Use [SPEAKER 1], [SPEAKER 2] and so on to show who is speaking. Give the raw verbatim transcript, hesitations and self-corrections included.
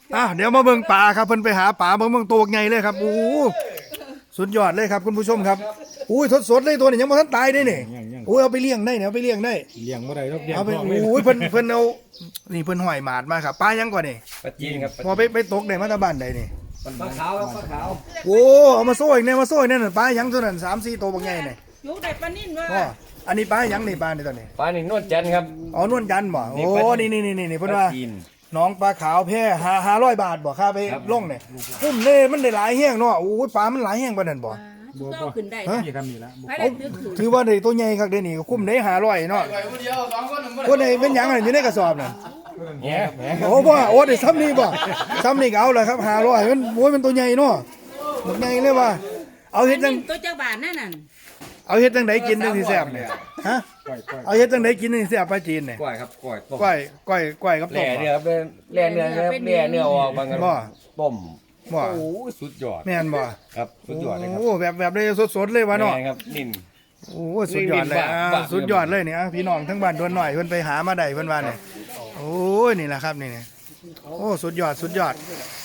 [SPEAKER 1] อ่ะเดี๋ยวมาเบิ่งปลาครับเพิ่นไปหาปลาเบิ่งเบิ่งตัวใหญ่เลยครับโอ้โหสุดยอดเลยครับคุณผู้ชมครับอุ้ยสดๆเลยตัวนี้ยังบ่ทันตายได้นี่อุ้ยเอาไปเลี้ยงได้เนี่ยเอาไปเลี้ยงได้
[SPEAKER 2] เลี้ยงบ่ได้ดอกเลี้ยง
[SPEAKER 1] เอาไปโอ้ยเพิ่นเพิ่นเอานี่เพิ่นห้อยหมาดมาครับปลายังก่อนนี่
[SPEAKER 3] ปลาจีนครับ
[SPEAKER 1] พอไปไปตกได้มาตาบ้านใดนี่
[SPEAKER 3] ปลาขาวครับปลาขาว
[SPEAKER 1] โอ้เอามาโซ่อีกเนี่ยมาโซ่อีกเนี่ยน่ะปลายังตัวนั้นสามสี่ตัวบักใหญ่นี่
[SPEAKER 4] ยุกได้ปลานิ่นว่า
[SPEAKER 1] อ๋ออันนี้ปลายังนี่ปลานี่ตัวนี้
[SPEAKER 3] ปลาหนึ่งนวดจันทร์ครับ
[SPEAKER 1] อ๋อนวลจันทร์บ่โอ้นี่นี่นี่นี่
[SPEAKER 3] ป
[SPEAKER 1] เพิ่น
[SPEAKER 3] ลา
[SPEAKER 1] ว่า
[SPEAKER 3] จีน
[SPEAKER 1] น้องปลาขาวแพร่ห้าห้าร้อยบาทบ่ค่าไป
[SPEAKER 3] ครับ
[SPEAKER 1] ลงเนี่ยคุ้มเน่มันได้หลายแห้งเนาะโอ้ยปลามันหลายแห้งปานนั้นบ่
[SPEAKER 4] ก็ขึ้นได้
[SPEAKER 1] ฮะ
[SPEAKER 2] นี่ครับนี่ละ
[SPEAKER 4] ไปได้ถือขึ้น
[SPEAKER 1] ถือว่าได้ตัวใหญ่คักเด้นี่คุ้มได้ห้าร้อยเนาะคนไหนเป็นหยังน่ะอยู่ในกระสอบน่ะ
[SPEAKER 3] แง่แง่
[SPEAKER 1] โอ้บ่โอ้ได้ซ้ำนี่บ่ซ้ำนี่ก็เอาเลยครับห้าร้อยมันโอ้ยมันตัวใหญ่เนาะบักใหญ่เลยว่าเอาเฮ็ดจัง
[SPEAKER 4] ตัวจักบาทนั่นน่ะ
[SPEAKER 1] เอาเฮ็ดจังไดกินจังสิแซ่บเนี่ยฮะ
[SPEAKER 2] ก้อยก้อย
[SPEAKER 1] เอาเฮ็ดจังไดกินจังสิแซ่บปลาจีนเนี่ย
[SPEAKER 3] กล้วยครับกล้วยต้ม
[SPEAKER 1] ก้อยก้อยก้อยกับ
[SPEAKER 3] แห
[SPEAKER 1] ต้
[SPEAKER 3] ล่
[SPEAKER 1] ม
[SPEAKER 3] เนื้อครับแหล่เนื้อครับแหล่เนื้อออกบางกัน
[SPEAKER 1] บ่
[SPEAKER 3] ต้ม
[SPEAKER 1] บ่
[SPEAKER 3] โอ้ยสุดยอด
[SPEAKER 1] แม่นบ่
[SPEAKER 3] ครับสุดยอดเลยครับ
[SPEAKER 1] โอ้แบบแบบได้สดๆเลยว่ะเนาะ
[SPEAKER 3] แม่ครับนิ่น
[SPEAKER 1] โอ้สุดยอดเลย
[SPEAKER 3] นี่
[SPEAKER 1] อ่า
[SPEAKER 3] บ้าบ้า
[SPEAKER 1] สุดยอดเลยเนี่ยอ่ะพี่น้องทั้งบ้านดวนหน่อยเพิ่นไปหามาได้เพิ่นว่าเนี่ยโอ้ยนี่แหละครับนี่เนี่ยโอ้สุดยอดสุดยอด